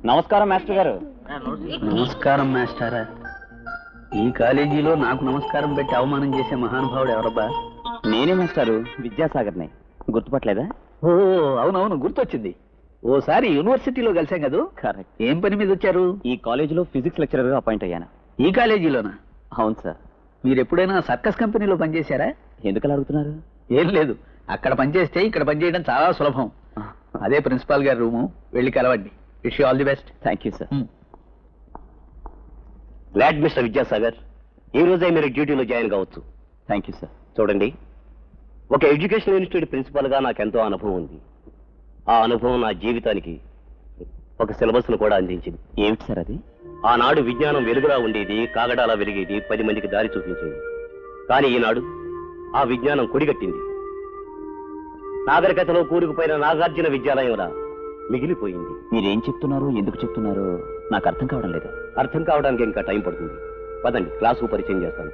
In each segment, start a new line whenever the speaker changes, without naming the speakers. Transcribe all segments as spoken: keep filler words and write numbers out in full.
నమస్కారం మాస్టర్ గారు.
నమస్కారం మాస్టారా. ఈ కాలేజీలో నాకు నమస్కారం పెట్టి అవమానం చేసే మహానుభావుడు ఎవరబ్బా?
నేనే మాస్టారు, విద్యాసాగర్ని. గుర్తుపట్టలేదా?
ఓ అవునవును, గుర్తొచ్చింది. ఓసారి యూనివర్సిటీలో కలిసాం కదా.
కరెక్ట్.
ఏం పని మీద వచ్చారు?
ఈ కాలేజీలో ఫిజిక్స్ లెక్చరర్ గా అపాయింట్ అయ్యాను.
ఈ కాలేజీలోనా?
అవును సార్.
మీరు ఎప్పుడైనా సర్కస్ కంపెనీలో పనిచేశారా?
ఎందుకలా అడుగుతున్నారు?
ఏం లేదు, అక్కడ పనిచేస్తే ఇక్కడ పనిచేయడం చాలా సులభం. అదే ప్రిన్సిపాల్ గారి రూము, వెళ్ళి కలవండి. Wish you all the best.
Thank you sir.
Glad mister Vidyasagar, ఈ రోజే మీరు డ్యూటీలో జాయిన్ కావచ్చు.
థ్యాంక్ యూ సార్.
చూడండి, ఒక ఎడ్యుకేషన్ ఇన్స్టిట్యూట్ ప్రిన్సిపాల్గా నాకు ఎంతో అనుభవం ఉంది. ఆ అనుభవం నా జీవితానికి ఒక సిలబస్ను కూడా అందించింది.
ఏమిటి సార్ అది?
ఆనాడు విజ్ఞానం వెలుగులా ఉండేది, కాగడాలా వెలిగేది, పది మందికి దారి చూపించేది. కానీ ఈనాడు ఆ విజ్ఞానం కొడిగట్టింది. నాగరికతలో కూరుకుపోయిన నాగార్జున విద్యాలయంలా మిగిలిపోయింది.
మీరేం చెప్తున్నారో, ఎందుకు చెప్తున్నారో నాకు అర్థం కావడం లేదు.
అర్థం కావడానికి ఇంకా టైం పడుతుంది. పదండి, క్లాసు పరిచయం చేస్తాను.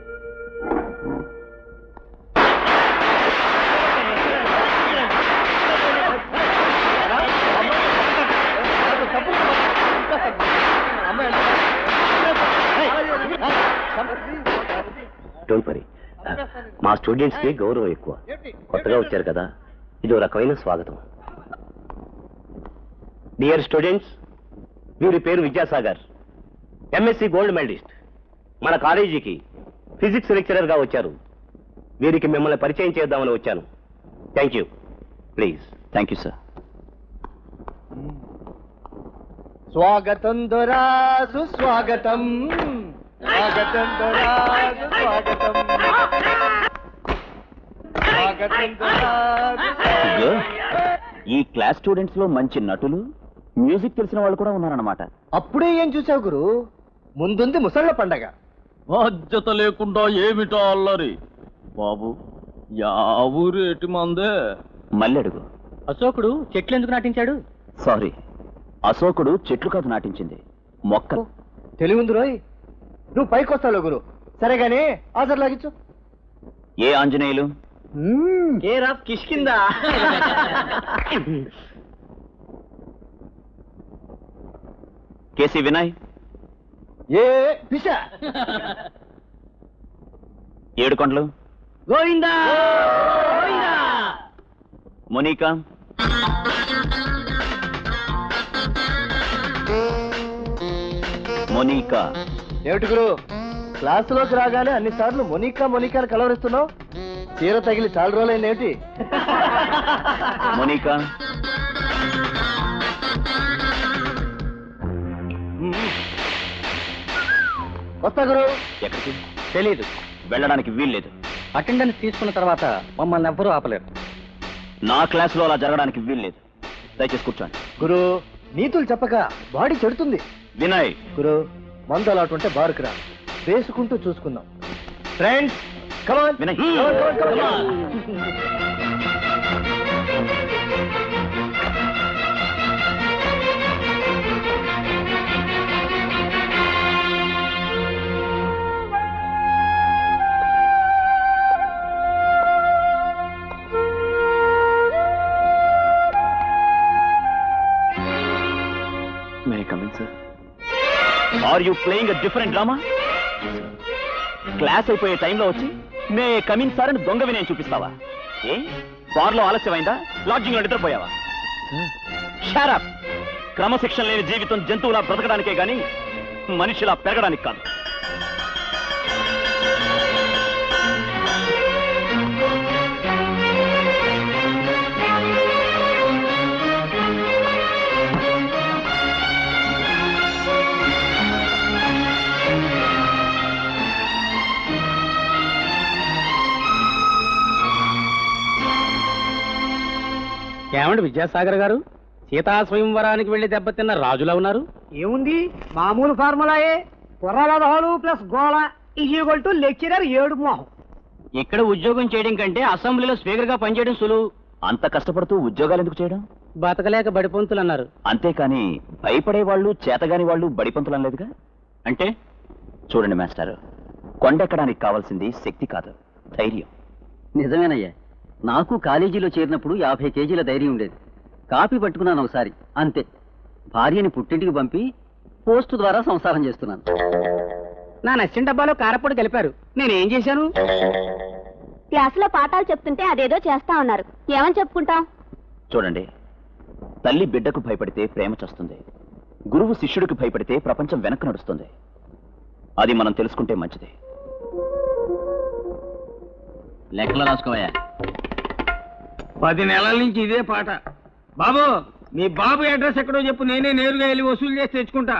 డోంట్ వరీ, మా స్టూడెంట్స్ కి గౌరవం ఎక్కువ. కొత్తగా వచ్చారు కదా, ఇదో రకమైన స్వాగతం. డియర్ స్టూడెంట్స్, వీరి పేరు విద్యాసాగర్, ఎంఎస్సి గోల్డ్ మెడలిస్ట్. మన కాలేజీకి ఫిజిక్స్ లెక్చరర్ గా వచ్చారు. వీరికి మిమ్మల్ని పరిచయం చేద్దామని వచ్చాను. Thank you. Please.
Thank you sir.
స్వాగతం దొరా, సుస్వాగతం. స్వాగతం దొరా, సుస్వాగతం. స్వాగతం దొరా,
అయ్యో, ఈ క్లాస్ స్టూడెంట్స్ లో మంచి నటులు, మ్యూజిక్ తెలిసిన వాళ్ళు కూడా ఉన్నారన్నమాట.
అప్పుడే ఏం చూసావు గురు? ముందుంది ముసళ్ళ పండగ.
బాధ్యత లేకుండా ఏమిటో అల్లరి బాబు. యా ఊరేటి మందే?
మళ్ళీ అడుగు.
అశోకుడు చెట్లు ఎందుకు నాటించాడు?
సారీ, అశోకుడు చెట్లు కాదు నాటించింది, మొక్క.
తెలివింది రోయ్. నువ్వు పైకి వస్తావు గురు. సరేగానే ఆజర్ లాగించు.
ఏ Anjaneyulu?
Care of Kishkinda.
KC Vinay?
ఏ పిశ.
ఏడు కొండలు?
గోవిందా.
మోనికా? మోనికా?
ఏమిటి గురు, క్లాసులోకి రాగానే అన్ని సార్లు మొనికా మొనికాని కలవరిస్తున్నావు? చీర తగిలి చాలా రోజులైంది ఏమిటి?
మోనికా?
వస్తా గురు.
ఎక్కడికి?
తెలీదు.
వెళ్ళడానికి వీల్లేదు.
అటెండెన్స్ తీసుకున్న తర్వాత మమ్మల్ని ఎవ్వరూ ఆపలేరు.
నా క్లాసులో అలా జరగడానికి వీల్లేదు. దయచేసి కూర్చోండి.
గురు, నీతులు చెప్పక బాడీ చెడుతుంది.
వినయ్?
గురు, మందు అలాంటి ఉంటే బారుకు రా, వేసుకుంటూ చూసుకుందాం. Friends come on.
Vinay? May I come in, sir? Are you playing a different drama? Class అయిపోయే టైంలో వచ్చి మే కమింగ్ సార్ అని దొంగ వినయం చూపిస్తావా? ఏ బార్లో ఆలస్యమైందా? లాడ్జింగ్ లో నిద్రపోయావా? షారప్. క్రమశిక్షణ లేని జీవితం జంతువులా బ్రతకడానికే గాని మనిషిలా పెరగడానికి కాదు.
ఏమండి విద్యాసాగర్ గారు, సీతా స్వయంవరానికి వెళ్లి దెబ్బతిన్న రాజులా ఉన్నారు. ఏముంది, మామూలు ఫార్ములాయే. పొర్రలదహాలు ప్లస్ గోళ ఈక్వల్ టు లెక్చరర్ ఏడు మోహం.
ఇక్కడ ఉద్యోగం చేయడం కంటే అసెంబ్లీలో స్పీకర్ గా పనిచేయడం సులువు. అంత కష్టపడుతూ ఉద్యోగాలు ఎందుకు చేయడం?
బతకలేక బడిపంతులు అన్నారు.
అంతేకాని భయపడే వాళ్ళు, చేతగాని వాళ్ళు బడిపంతులు అనలేదుగా. అంటే చూడండి మాస్టర్, కొండెక్కడానికి కావాల్సింది శక్తి కాదు, ధైర్యం.
నిజమేనయ్యా, నాకు కాలేజీలో చేరినప్పుడు యాభై కేజీల ధైర్యం ఉండేది. కాపీ పట్టుకున్నాను ఒకసారి, అంతే. భార్యని పుట్టింటికి పంపి పోస్టు ద్వారా సంసారం చేస్తున్నాను.
నా నచ్చిన డబ్బాలో కారపొడి కలిపారు, నేనేం చేశాను?
క్లాసులో పాఠాలు చెప్తుంటే అదేదో చేస్తా ఉన్నారు, ఏమని చెప్పుకుంటాం?
చూడండి, తల్లి బిడ్డకు భయపడితే ప్రేమ చస్తుంది, గురువు శిష్యుడికి భయపడితే ప్రపంచం వెనక్కి నడుస్తుంది. అది మనం తెలుసుకుంటే మంచిది.
లెక్కలు రాసుకోవయ్యా.
పది నెలల నుంచి ఇదే పాట. బాబు, మీ బాబు అడ్రస్ ఎక్కడో చెప్పు, నేనే నేరుగా వెళ్ళి వసూలు చేసి తెచ్చుకుంటా.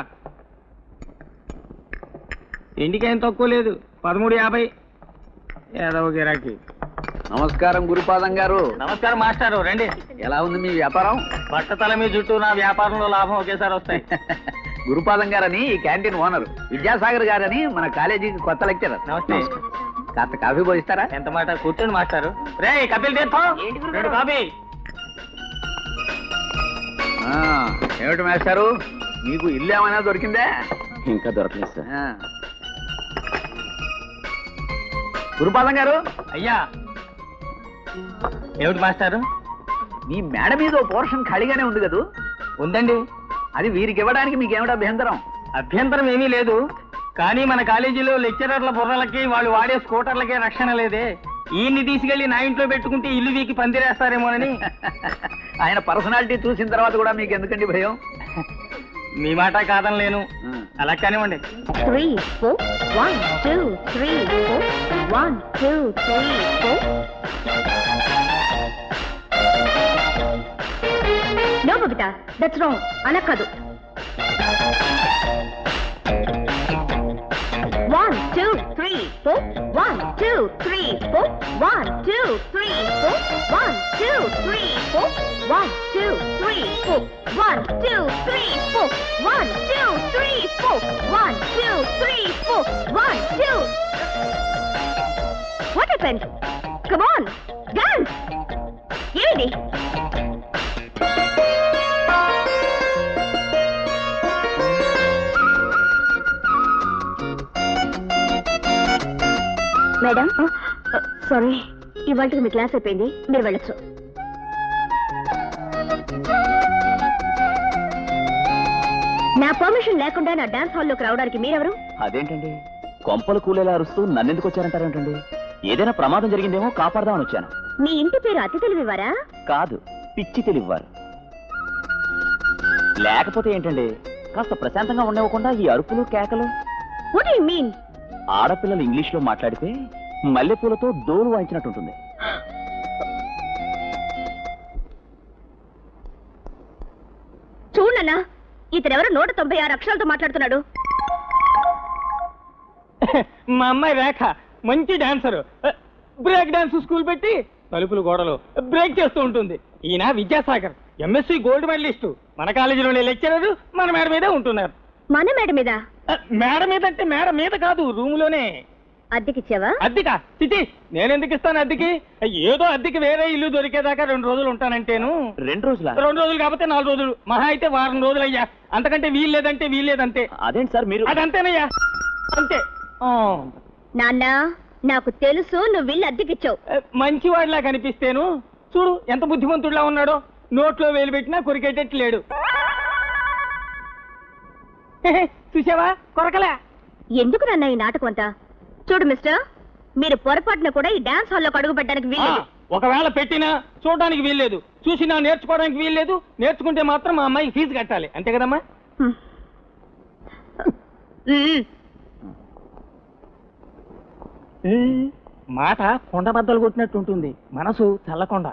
ఇంటికేం తక్కువ లేదు, పదమూడు యాభై. ఏదో గిరాకీ.
నమస్కారం గురుపాదం గారు.
నమస్కారం మాస్టారు, రండి.
ఎలా ఉంది మీ వ్యాపారం?
బట్టతల మీ చుట్టూ నా వ్యాపారంలో లాభం ఒకేసారి వస్తాయి.
గురుపాదం గారని ఈ క్యాంటీన్ ఓనర్, విద్యాసాగర్ గారని మన కాలేజీకి కొత్త లెక్చరర్.
నమస్తే.
కాస్త కాఫీ పోయిస్తారా?
ఎంత మాట, కూర్చోండి మాస్టారు. రే కపిల్ తీర్థం, రెండు కాఫీ.
ఆ, ఏమిటి మాస్టారు, మీకు ఇల్లు ఏమైనా దొరికిందా?
ఇంకా దొరకలేదు సార్.
ఆ. గురుపాదం గారు,
అయ్యా. ఏమిటి మాస్టారు?
మీ మేడ మీద ఓ పోర్షన్ ఖాళీగానే ఉంది కదూ?
ఉందండి.
అది వీరికి ఇవ్వడానికి మీకేమిటి అభ్యంతరం?
అభ్యంతరం ఏమీ లేదు, కానీ మన కాలేజీలో లెక్చరర్ల బుర్రలకి వాళ్ళు వాడే స్కూటర్లకే రక్షణ లేదే. ఈయన్ని తీసుకెళ్లి నా ఇంట్లో పెట్టుకుంటే ఇల్లు వీకి పందిరేస్తారేమోనని.
ఆయన పర్సనాలిటీ చూసిన తర్వాత కూడా మీకు ఎందుకండి భయం?
మీ మాట కాదనలేను.
ఆ.
అలా కానివ్వండి.
Three four one two three four one two three four. No Babita, that's wrong. అలా కాదు. One two three four one two three four one two three four one two three four one two three four one two three four one two three four one two three four one two. What happened? Come on, dance. ఏది? Madam, sorry, ఇవాళకి మీ class అయిపోయింది, మీరు వెళ్ళొచ్చు. నా permission లేకుండా నా dance హాల్లోకి రావడానికి మీరెవరు?
అదేంటండి, కొంపలు కూలేలా అరుస్తూ నన్నెందుకు వచ్చారంటారేంటండి? ఏదైనా ప్రమాదం జరిగిందేమో కాపాడదామని వచ్చాను.
మీ ఇంటి పేరు అతి తెలివివారా?
కాదు, పిచ్చి తెలివ్వారు. లేకపోతే ఏంటండి, కాస్త ప్రశాంతంగా ఉండవకుండా ఈ అరుపులు కేకలు.
What you mean?
ఆడపిల్లలు ఇంగ్లీష్ లో మాట్లాడితే మల్లెపూలతో డోలు వాయించినట్టుంటుంది.
చూడన్నా, ఇతనెవరు నూట తొంభై ఆరు అక్షరాలతో మాట్లాడుతున్నాడు.
మా అమ్మాయి రేఖ మంచి డాన్సరు. బ్రేక్ డాన్స్ స్కూల్ పెట్టి తలుపులు గోడలు బ్రేక్ చేస్తూ ఉంటుంది. ఈయన విద్యాసాగర్, ఎంఎస్సి గోల్డ్ మెడలిస్టు. మన కాలేజీలోనే లెక్చరర్, మన మేడ మీదే ఉంటున్నారు.
మన మేడ మీద?
మేడ మీద అంటే మేడ మీద కాదు, రూములోనే.
అద్దెకిచ్చావా?
అద్దెకా? చిచి, నేనెందుకు ఇస్తాను అద్దెకి? ఏదో అద్దెకి వేరే ఇల్లు దొరికేదాకా రెండు రోజులు ఉంటానంటేను.
రెండు రోజుల
రెండు రోజులు కాకపోతే నాలుగు రోజులు, మహా అయితే వారం రోజులు అయ్యా. అంతకంటే వీల్లేదంటే వీల్లేదంతే.
అదేంటి సార్ మీరు?
అదంతేనయ్యా, అంతే. ఆ.
నాన్న, నాకు తెలుసు నువ్వు ఇల్లు అద్దెకిచ్చావు.
మంచివాడిలా కనిపిస్తేను చూడు ఎంత బుద్ధిమంతుడిలా ఉన్నాడో. నోట్లో వేలు పెట్టినా కొరికేటట్టు లేడు. చూసావా, కొరకలే.
ఎందుకు నాన్న ఈ నాటకం అంతా? చూడు మిస్టర్, మీరు పొరపాటున కూడా ఈ డాన్స్ హాల్లో అడుగు పెట్టడానికి
ఆ,
వీల్లేదు.
ఒకవేళ పెట్టినా చూడడానికి వీల్లేదు, చూసినా నేర్చుకోవడానికి వీల్లేదు. నేర్చుకుంటే మాత్రం మా అమ్మాయికి ఫీజు కట్టాలి, అంతే కదమ్మా?
హ్మ్. మ్మ్.
మాట కొండ బద్దలు కొట్టినట్టు ఉంటుంది, మనసు చల్లకొండ.